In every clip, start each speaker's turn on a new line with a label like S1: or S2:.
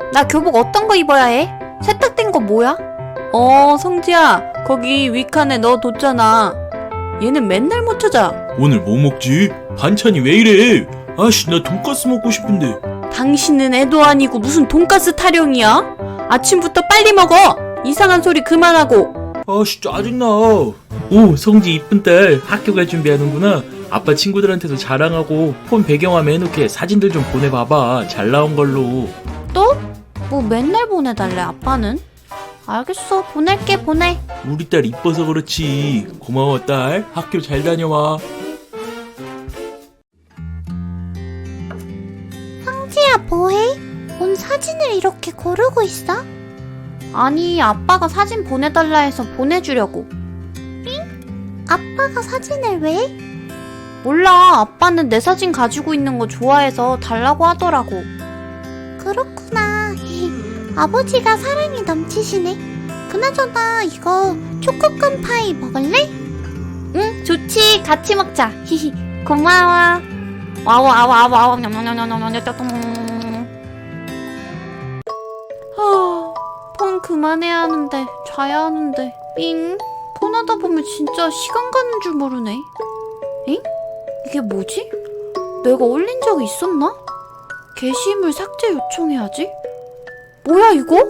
S1: 나 교복 어떤 거 입어야 해? 세탁된 거 뭐야? 성지야, 거기 윗칸에 너 뒀잖아. 얘는 맨날 못 찾아.
S2: 오늘 뭐 먹지? 반찬이 왜 이래? 아씨, 나 돈가스 먹고 싶은데.
S1: 당신은 애도 아니고 무슨 돈가스 타령이야? 아침부터 빨리 먹어! 이상한 소리 그만하고.
S2: 아씨, 짜증나. 오, 성지 이쁜 딸 학교 갈 준비하는구나. 아빠 친구들한테도 자랑하고 폰 배경화면 해놓게 사진들 좀 보내봐봐. 잘 나온 걸로.
S1: 또? 뭐 맨날 보내달래 아빠는? 알겠어, 보낼게. 보내.
S2: 우리 딸 이뻐서 그렇지. 고마워 딸. 학교 잘 다녀와.
S1: 성지야, 뭐해? 뭔 사진을 이렇게 고르고 있어? 아니, 아빠가 사진 보내달라 해서 보내주려고. 응? 아빠가 사진을 왜? 몰라, 아빠는 내 사진 가지고 있는 거 좋아해서 달라고 하더라고. 그렇구나. 아버지가 사랑이 넘치시네. 그나저나 이거 초코콘 파이 먹을래? 응, 좋지. 같이 먹자. 히히. 고마워. 와우. 폰 그만해야 하는데, 자야 하는데. 삥. 폰 하다 보면 진짜 시간 가는 줄 모르네. 엥? 이게 뭐지? 내가 올린 적이 있었나? 게시물 삭제 요청해야지. 뭐야 이거?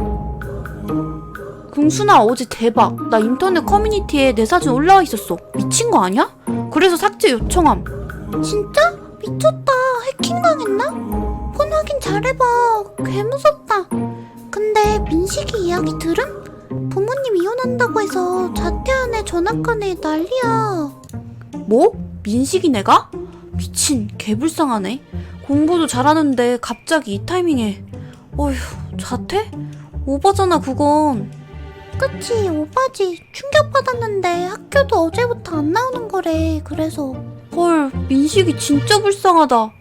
S1: 궁순아, 어제 대박. 나 인터넷 커뮤니티에 내 사진 올라와 있었어. 미친 거 아니야? 그래서 삭제 요청함. 진짜? 미쳤다. 해킹당했나? 폰 확인 잘해봐. 개 무섭다. 근데 민식이 이야기 들음? 부모님 이혼한다고 해서 자퇴하네 전학가네 난리야. 뭐? 민식이 내가? 미친, 개불쌍하네. 공부도 잘하는데 갑자기 이 타이밍에. 어휴, 자퇴? 오바잖아 그건. 그치, 오바지. 충격받았는데 학교도 어제부터 안 나오는 거래. 그래서. 헐, 민식이 진짜 불쌍하다.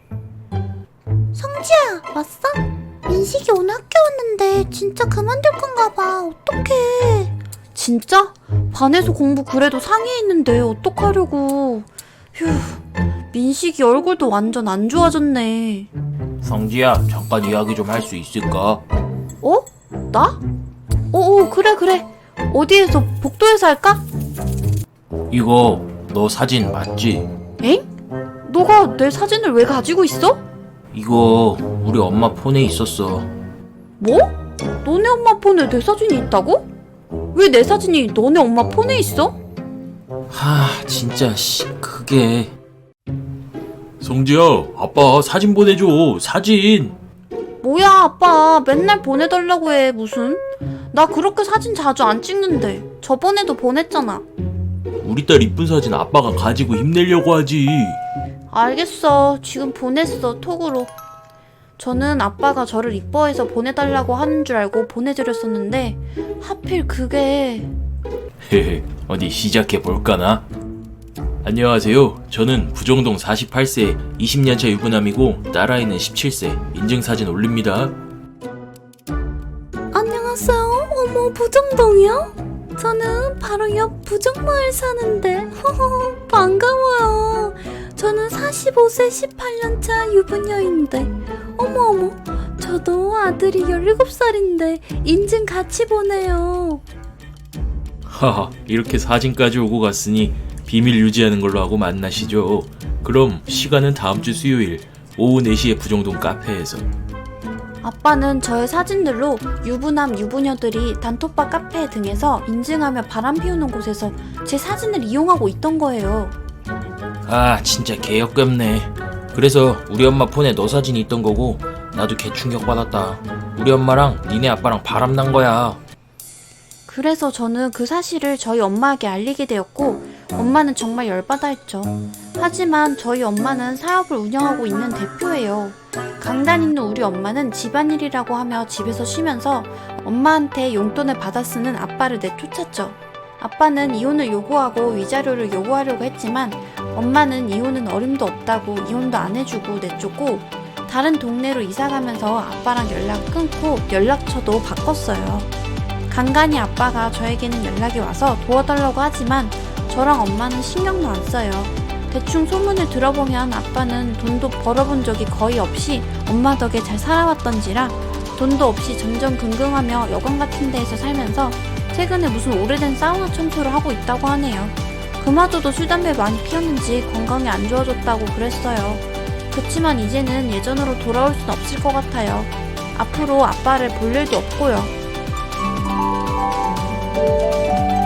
S1: 성지야, 왔어? 민식이 오늘 학교 왔는데 진짜 그만둘 건가 봐. 어떡해. 진짜? 반에서 공부 그래도 상위에 있는데 어떡하려고. 휴, 민식이 얼굴도 완전 안 좋아졌네.
S2: 성지야, 잠깐 이야기 좀 할 수 있을까?
S1: 어? 나? 그래. 어디에서, 복도에서 할까?
S2: 이거 너 사진 맞지?
S1: 엥? 너가 내 사진을 왜 가지고 있어?
S2: 이거 우리 엄마 폰에 있었어.
S1: 뭐? 너네 엄마 폰에 내 사진이 있다고? 왜 내 사진이 너네 엄마 폰에 있어?
S2: 진짜 그게. 성지야, 아빠 사진 보내줘. 사진.
S1: 뭐야, 아빠 맨날 보내달라고 해. 무슨? 나 그렇게 사진 자주 안 찍는데. 저번에도 보냈잖아.
S2: 우리 딸 이쁜 사진 아빠가 가지고 힘내려고 하지.
S1: 알겠어. 지금 보냈어, 톡으로. 저는 아빠가 저를 이뻐해서 보내달라고 하는 줄 알고 보내드렸었는데 하필 그게.
S2: 헤헤, 어디 시작해볼까나? 안녕하세요. 저는 부정동 48세 20년차 유부남이고 딸아이는 17세 인증사진 올립니다.
S1: 안녕하세요. 어머, 부정동이요? 저는 바로 옆 부정마을 사는데 반가워요. 저는 45세 18년차 유부녀인데 어머, 저도 아들이 17살인데 인증 같이 보내요.
S2: 하하, 이렇게 사진까지 오고 갔으니 비밀 유지하는 걸로 하고 만나시죠. 그럼 시간은 다음 주 수요일 오후 4시에 부정동 카페에서.
S1: 아빠는 저의 사진들로 유부남 유부녀들이 단톡방 카페 등에서 인증하며 바람 피우는 곳에서 제 사진을 이용하고 있던 거예요.
S2: 진짜 개역겹네. 그래서 우리 엄마 폰에 너 사진이 있던 거고 나도 개 충격받았다. 우리 엄마랑 니네 아빠랑 바람난 거야.
S1: 그래서 저는 그 사실을 저희 엄마에게 알리게 되었고 엄마는 정말 열받아 했죠. 하지만 저희 엄마는 사업을 운영하고 있는 대표예요. 강단 있는 우리 엄마는 집안일이라고 하며 집에서 쉬면서 엄마한테 용돈을 받아 쓰는 아빠를 내쫓았죠. 아빠는 이혼을 요구하고 위자료를 요구하려고 했지만 엄마는 이혼은 어림도 없다고 이혼도 안 해주고 내쫓고 다른 동네로 이사가면서 아빠랑 연락 끊고 연락처도 바꿨어요. 간간히 아빠가 저에게는 연락이 와서 도와달라고 하지만 저랑 엄마는 신경도 안 써요. 대충 소문을 들어보면 아빠는 돈도 벌어본 적이 거의 없이 엄마 덕에 잘 살아왔던지라 돈도 없이 전전긍긍하며 여관 같은 데에서 살면서 최근에 무슨 오래된 사우나 청소를 하고 있다고 하네요. 그마저도 술, 담배 많이 피웠는지 건강이 안 좋아졌다고 그랬어요. 그치만 이제는 예전으로 돌아올 순 없을 것 같아요. 앞으로 아빠를 볼 일도 없고요.